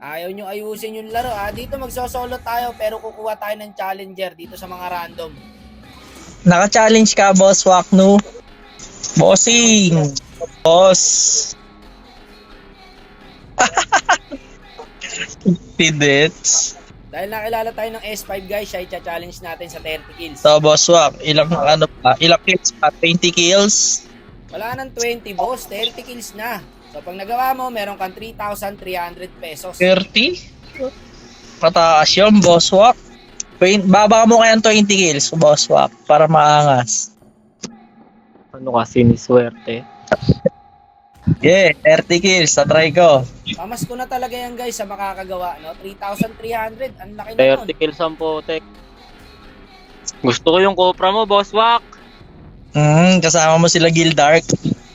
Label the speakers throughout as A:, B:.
A: Ayaw nyo ayusin yung laro. Dito magsosolo tayo pero kukuha tayo ng challenger dito sa mga random.
B: Naka-challenge ka, Boss Waknu. Bossing. Boss. Pidets.
A: Dahil nakilala tayo ng S5 guys, siya i-challenge natin sa 30 kills.
B: So, Boss Wak, ilang kills pa? 20 kills?
A: Wala nang 20 boss, 30 kills na. So pag nagawa mo, meron kang 3,300 pesos.
B: 30? Pataas yun, Boss Wak. Baba mo kaya 20 kills, Boss Wak, para maangas.
C: Ano kasi ni swerte?
B: Yeah, 30 kills, try ko.
A: Pamas ko na talaga yan guys sa makakagawa, no? 3,300, ang laki na nun.
C: 30 kills ang potek. Gusto ko yung Copra mo, Boss Wak.
B: Kasama mo sila Gildark.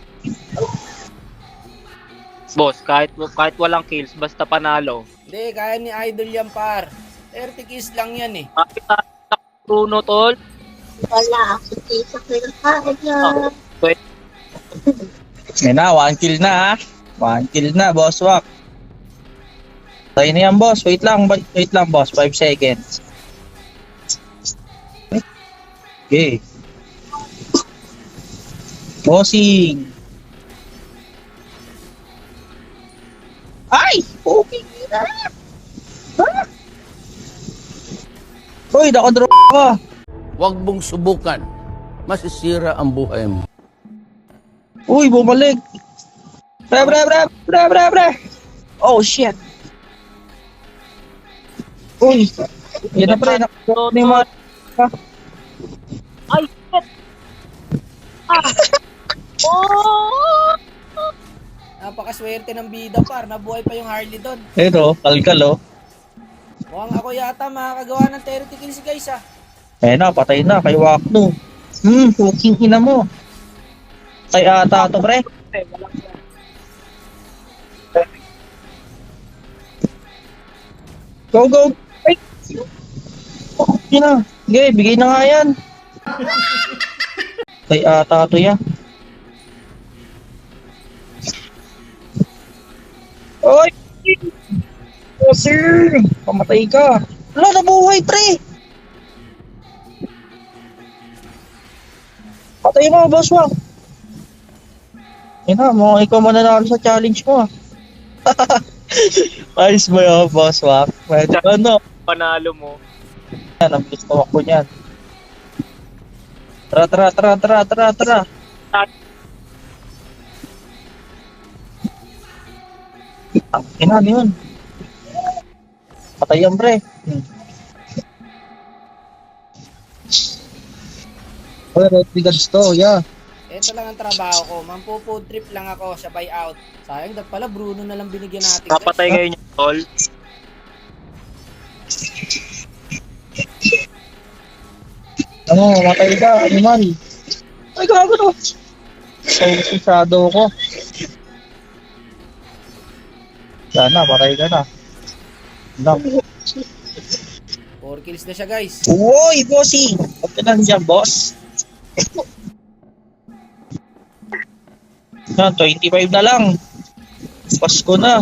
C: Boss, kahit walang kills, basta panalo.
A: Hindi, kaya ni Idol yan par. 30 kills lang yan eh.
C: Bakit Bruno, tol?
D: Wala ako sa kaya.
B: Yan na, 1 kill na ha. 1 kill na, Boss Wak. Tayo na yan, boss. Wait lang, boss. 5 seconds. Okay. Bossing. Ay! Okay na. Uy, nakadraw ka.
E: Huwag mong subukan. Masisira ang buhay mo.
B: Uy, bumalik. Pre. Oh, shit. Uy. Yan na pre. Nakadraw ni mga...
C: Ay, shit! Oh!
A: Napakaswerte ng bida par, nabuhay pa yung Harley doon.
B: Pero, kalkal oh.
A: Mukhang ako yata makakagawa ng 30 kills guys ah.
B: Na, patay na kay Waknu. Puking ina mo. Kay ata to, pre. Go. Ay! Okay na. Sige, bigay na nga yan. Kay ata to ya. Oy! Oh, sir! Pamatay ka. Wala, nabuhay, pre! Patay mo, Boss Wak. Yan na, mukhang ikaw mananalo sa challenge mo. Ayos ba yun, Boss Wak? Medyo ano?
C: Panalo mo.
B: Yan, ang bilis na ko niyan. Tara. Ano yun? Patay yan, pre. Red Brigades to, yeah.
A: Ito lang ang trabaho ko, mampu-food trip lang ako sa buyout. Sayang, dapat pala Bruno na lang binigyan natin guys.
C: Kapatay kayo niya, tol.
B: Ano, matay ka, animal. Ay, gago to. Ay, shadow ko. Sana, patay ka na. Lang.
A: 4 kills na siya guys.
B: Uy, bossy! Huwag ka lang dyan, boss. Na, 25 na lang. Pasko na.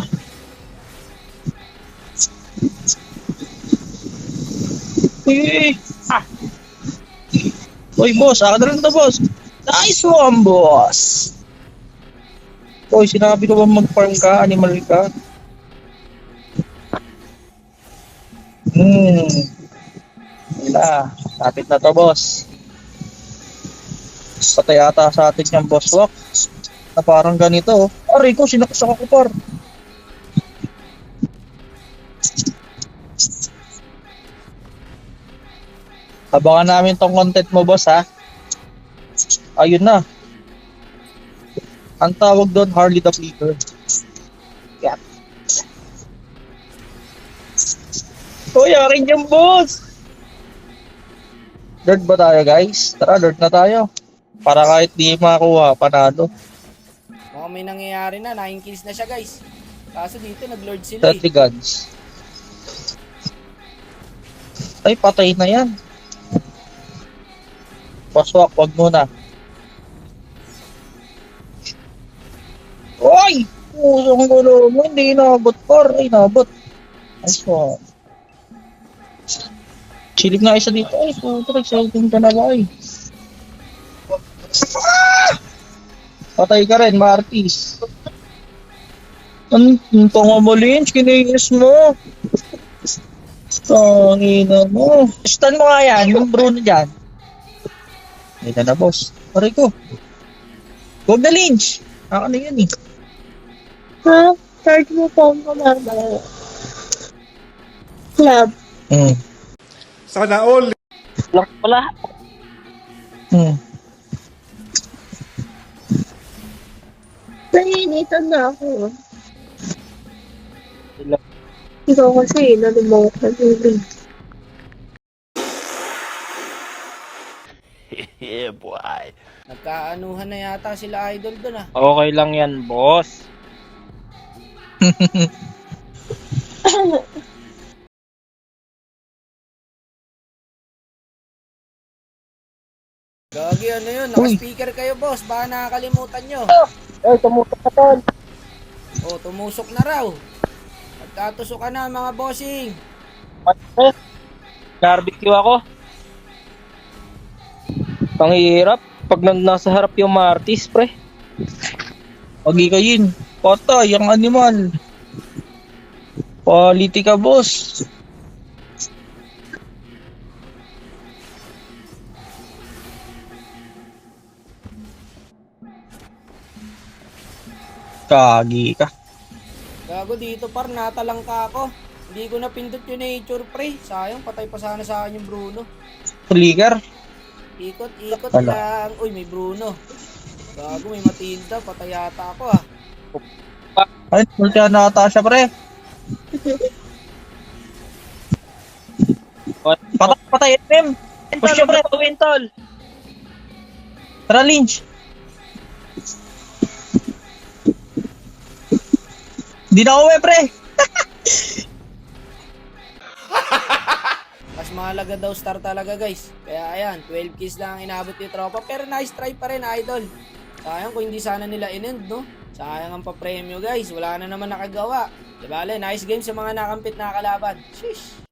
B: Uy, boss, akin na lang to, boss. Nice one, boss. Uy, sinabi ko ba mag-farm ka? Animal ka? Wala. Lapit na to, boss. Patay ata sa atin yung Boss Wak. Na parang ganito. Aray ko, sinaksak ako par. Abangan namin tong content mo, boss, ha? Ayun na. Ang tawag doon, Harley the Flicker. Yeah. Uy, akin yung boss! Dirt ba tayo, guys? Tara, dirt na tayo. Para kahit di makakuha, panalo.
A: Mukhang may nangyayari na, 9 kills na siya guys. Kaso dito nag-lord sila
B: 30 guns. Ay, patay na yan. Paswak, wag muna. Uy! Pusong gulo mo, hindi inabot par. Ay, inabot. Nice po. Silip nga isa dito. Ay, puto, exciting ka na ba eh. Patay ka rin, Martis. Ang tungo mo, Lynch. Kinayos mo. Tangina mo. Stun mo nga yan, yung Bruno dyan. Ito na, boss. Pare ko. Huwag na, Lynch. Ako na yun eh.
D: Ha? Charge mo phone ko, mama. Club.
F: Sana all.
C: Lang pala.
D: Nainitan na ako.
C: Ilang-
D: Ikaw kasi, nalimaw ka din.
E: Yeah, boy.
A: Nagkaanuhan na yata sila idol doon ah.
C: Okay lang yan, boss.
A: Gagi, ano yun? Naka-speaker kayo, boss. Baka nakakalimutan nyo.
B: Ay, tumutok ka tol.
A: Oh, tumusok na raw. Nagkatusok ka na, mga bossing.
C: Barbecue ako. Panghihirap. Pag nasa harap yung Martis, pre.
B: Pagi ka yun. Patay, yung animal. Quality ka, boss. Kagi ka.
A: Gago dito par, natalang ka ako. Hindi ko napindot yung nature pre. Sayang, patay pa sana sa akin yung Bruno.
B: Flicker.
A: Ikot
B: Wala.
A: lang. Uy, may Bruno. Gago, may Matilda. Patay yata ako ah.
B: Ay, multi na ata siya, pre. Patay, patay, MM. Push siya, pre.
C: Wintol.
B: Tara, Lynch. Hindi na uwi, pre.
A: Mas mahalaga daw star talaga guys. Kaya ayan, 12 kills lang ang inabot ni tropa. Pero nice try pa rin idol. Sayang kung hindi sana nila in-end no. Sayang ang papremyo guys. Wala na naman nakagawa. Diba? Nice game sa mga nakampit na kalaban. Sheesh.